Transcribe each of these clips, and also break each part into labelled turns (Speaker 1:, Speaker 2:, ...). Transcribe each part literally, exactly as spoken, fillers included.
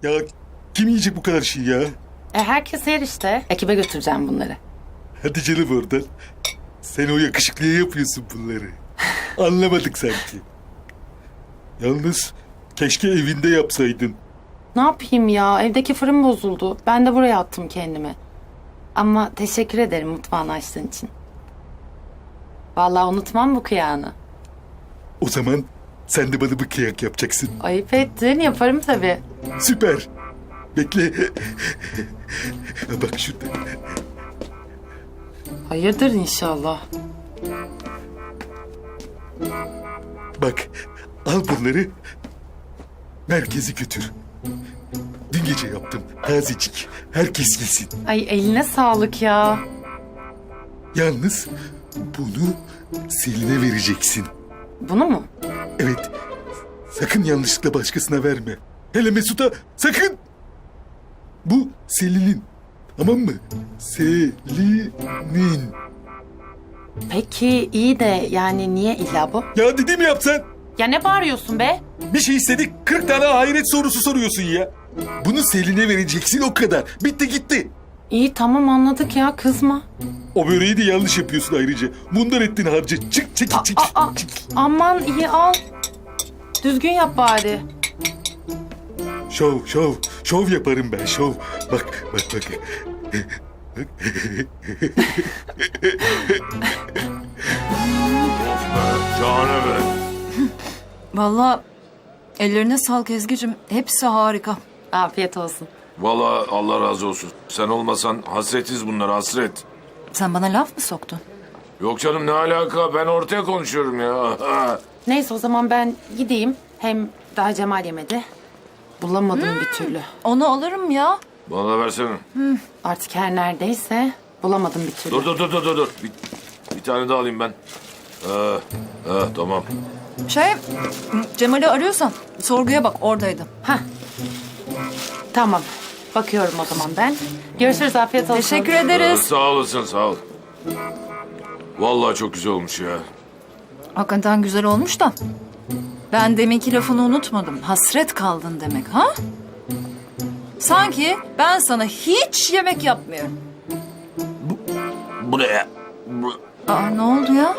Speaker 1: Ya kim yiyecek bu kadar şey ya?
Speaker 2: E herkes yer işte. Ekibe götüreceğim bunları.
Speaker 1: Hadi canım oradan. Sen o yakışıklıya yapıyorsun bunları. Anlamadık sanki. Yalnız keşke evinde yapsaydın.
Speaker 2: Ne yapayım ya? Evdeki fırın bozuldu. Ben de buraya attım kendimi. Ama teşekkür ederim mutfağını açtığın için. Vallahi unutmam bu kıyağını.
Speaker 1: O zaman sen de bana bir kıyak yapacaksın.
Speaker 2: Ayıp ettin. Yaparım tabii.
Speaker 1: Süper. Bekle. Bak şurada.
Speaker 2: Hayırdır inşallah.
Speaker 1: Bak al bunları. Merkeze götür. Dün gece yaptım. Tazecik. Herkes yesin.
Speaker 2: Ay eline sağlık ya.
Speaker 1: Yalnız bunu Selin'e vereceksin.
Speaker 2: Bunu mu?
Speaker 1: Evet. Sakın yanlışlıkla başkasına verme. Hele Mesut'a sakın. Bu Selin'in. Tamam mı? Selin'in.
Speaker 2: Peki iyi de yani niye illa bu?
Speaker 1: Ya dediğimi yap sen.
Speaker 2: Ya ne bağırıyorsun be?
Speaker 1: Bir şey istedik kırk tane hayret sorusu soruyorsun ya. Bunu Selin'e vereceksin o kadar. Bitti gitti.
Speaker 2: İyi tamam anladık ya kızma.
Speaker 1: O böreği de yanlış yapıyorsun ayrıca. Bundan ettin harca. Çık çık çık.
Speaker 2: Aa, aa,
Speaker 1: çık.
Speaker 2: aman iyi al. Düzgün yap bari.
Speaker 1: Şov şov. Şov yaparım ben şov. Bak bak bak.
Speaker 3: Şahane be.
Speaker 4: Vallahi ellerine sağlık Ezgi'cim. Hepsi harika.
Speaker 2: Afiyet olsun.
Speaker 3: Vallahi Allah razı olsun. Sen olmasan hasretiz bunlar hasret.
Speaker 4: Sen bana laf mı soktun?
Speaker 3: Yok canım ne alaka ben ortaya konuşuyorum ya.
Speaker 2: Neyse o zaman ben gideyim. Hem daha Cemal yemedi. Bulamadım bir türlü.
Speaker 4: Onu alırım ya.
Speaker 3: Bana da versene.
Speaker 2: Artık her neredeyse bulamadım bir türlü.
Speaker 3: Dur dur dur dur dur. dur. Bir, bir tane daha alayım ben. Ee, ee, tamam.
Speaker 4: Şey, Cemal'i arıyorsan sorguya bak oradaydı.
Speaker 2: Hah. Tamam. Bakıyorum o zaman ben. Görüşürüz afiyet olsun.
Speaker 4: Teşekkür
Speaker 3: Ee,
Speaker 4: ederiz.
Speaker 3: sağ olasın sağ ol. Vallahi çok güzel olmuş ya.
Speaker 4: Hakikaten güzel olmuş da. Ben deminki lafını unutmadım. Hasret kaldın demek ha? Sanki ben sana hiç yemek yapmıyorum.
Speaker 3: Bu ne ya? Bu...
Speaker 4: Aa ne oldu ya?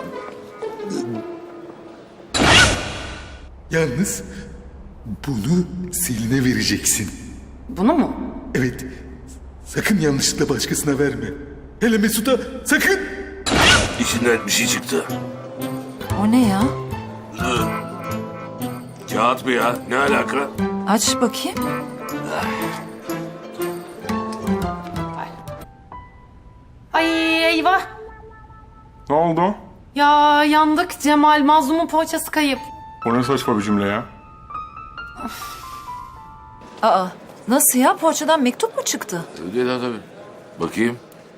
Speaker 1: Yalnız bunu Selin'e vereceksin.
Speaker 2: Bunu mu?
Speaker 1: Evet. Sakın yanlışlıkla başkasına verme. Hele Mesut'a sakın.
Speaker 3: İçinden bir şey çıktı.
Speaker 4: O ne ya?
Speaker 3: Kağıt mı ya? Ne alaka?
Speaker 4: Aç bakayım.
Speaker 2: Ay eyvah.
Speaker 5: Ne oldu?
Speaker 2: Ya yandık Cemal. Mazlumun poğaçası kayıp.
Speaker 5: O ne saçma bir cümle ya?
Speaker 4: Aa nasıl ya? Poğaçadan mektup mu çıktı?
Speaker 3: Öyle de tabii. Bakayım.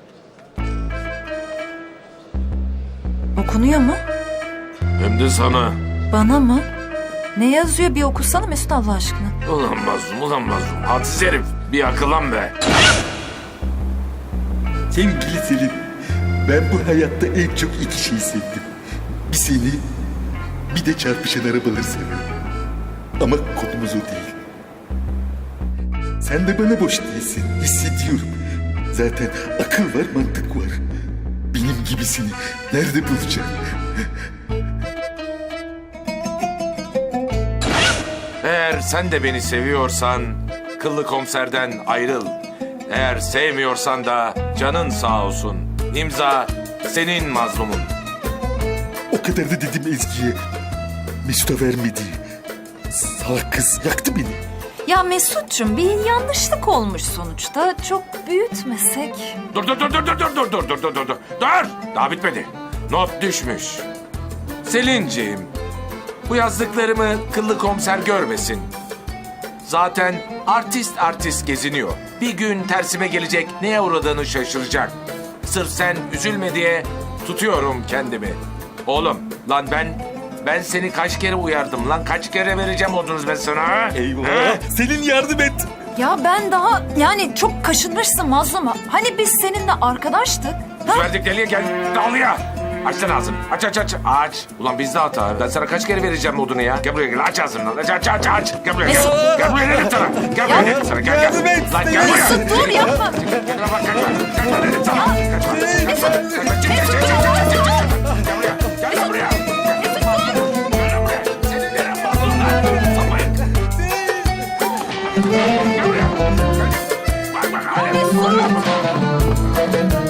Speaker 4: Okunuyor mu?
Speaker 3: Hem de sana.
Speaker 4: Bana mı? Ne yazıyor bir okusana Mesut Allah aşkına.
Speaker 3: Ulan mazlum, ulan mazlum. Hadsiz herif. Bir akıllan be.
Speaker 1: Sevgili Selin, ben bu hayatta en çok iki şey sevdim. Bir seni, bir de çarpışan arabaları severim. Ama konumuz o değil. Sen de bana boş değilsin, hissediyorum. Zaten akıl var, mantık var. Benim gibisini nerede bulacağım?
Speaker 3: Eğer sen de beni seviyorsan kıllı komiserden ayrıl. Eğer sevmiyorsan da canın sağ olsun. İmza senin mazlumun.
Speaker 1: O kadar da dedim Ezgi'ye. Mesut'a vermedi. Salak kız yaktı beni.
Speaker 4: Ya Mesut'cum bir yanlışlık olmuş sonuçta. Çok büyütmesek.
Speaker 3: Dur dur dur dur dur dur dur dur dur dur dur dur. Dur! Daha bitmedi. Not düşmüş. Selinciğim, bu yazdıklarımı kıllı komiser görmesin. Zaten artist artist geziniyor. Bir gün tersime gelecek, neye uğradığını şaşıracak. Sırf sen üzülme diye tutuyorum kendimi. Oğlum, lan ben ben seni kaç kere uyardım lan? Kaç kere vereceğim odunuz ben sana ha?
Speaker 1: Eyvah.
Speaker 3: Ha?
Speaker 1: Selin yardım et.
Speaker 4: Ya ben daha yani çok kaşınmışsın mazluma. Hani biz seninle arkadaştık. Ha?
Speaker 3: Verdik deliye gel dağlıya. Aç lan ağzını. Aç aç aç. Aç. Ulan bizde hata. Ben sana kaç kere vereceğim odunu ya? Gel buraya gel. Aç ağzını lan. Aç aç aç aç. Gel buraya gel. Gel buraya dedim sana. Gel buraya dedim sana. Gel gel. Lan gel buraya.
Speaker 4: Mesut dur yapma.
Speaker 3: Gel lan bak kaçma. Kaçma dedim sana. Kaçma. Kaçma. Kaçma. Çık çık çık çık çık çık. Gel buraya. Gel lan buraya. Gel lan buraya. Senin neren bozuldu lan? Sapayın. Gel buraya. Gel. Bak bak hala.